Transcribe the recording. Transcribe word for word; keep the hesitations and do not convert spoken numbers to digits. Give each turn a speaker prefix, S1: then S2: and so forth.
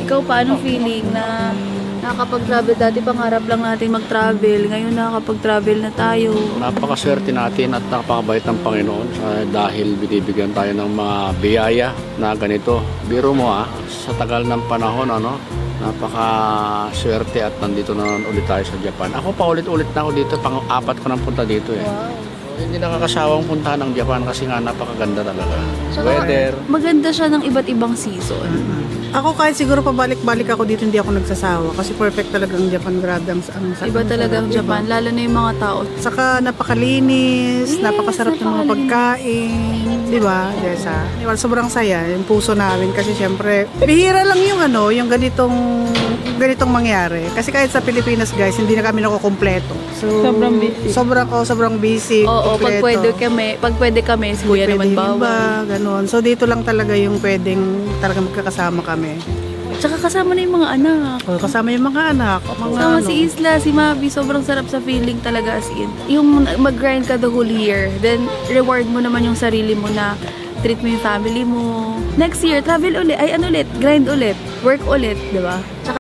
S1: Ikaw, paano feeling na nakakapag-travel? Dati pangarap lang natin mag-travel. Ngayon nakakapag-travel na tayo.
S2: Napakaswerte natin at napakabait ng Panginoon uh, dahil binibigyan tayo ng mga biyaya na ganito. Biro mo ah, sa tagal ng panahon, ano, napakaswerte at nandito na ulit tayo sa Japan. Ako pa ulit-ulit na ako dito, pang-apat ko nang punta dito eh.
S1: Wow.
S2: Hindi nakakasawang puntahan ng Japan kasi nga napakaganda talaga.
S1: Saka,
S2: Weather.
S1: maganda siya ng iba't ibang season.
S3: Ako kahit siguro pabalik-balik ako dito, hindi ako nagsasawa. Kasi perfect talaga ang Japan. Grabe ang, ang
S1: Iba talaga ang Japan, lalo na yung mga tao.
S3: Saka napakalinis,
S1: Yes,
S3: napakasarap ng mga
S1: napakalinis.
S3: pagkain. Di ba, Jessa? Well, sobrang saya, yung puso namin. Kasi syempre, bihira lang yung ano, yung ganitong ganitong mangyari. Kasi kahit sa Pilipinas, guys, hindi na kami nakukompleto. So,
S4: Sobrang busy.
S3: Sobrang, oh, sobrang busy.
S1: Oo, pag
S3: kumpleto.
S1: pwede kami, pag pwede kami, si Kuya
S3: Pwede
S1: naman
S3: yung
S1: bawal.
S3: iba, ganun. So, dito lang talaga yung pwedeng talaga magkakasama kami.
S1: Tsaka kasama na yung mga anak.
S3: O, kasama yung mga anak. Mga
S1: Kasama
S3: ano.
S1: si Isla, si Mavi, sobrang sarap sa feeling talaga as in. Yung mag-grind ka the whole year, then reward mo naman yung sarili mo na treat mo yung family mo. Next year, travel ulit, ay ano ulit, grind ulit, work ulit, di ba? Tsaka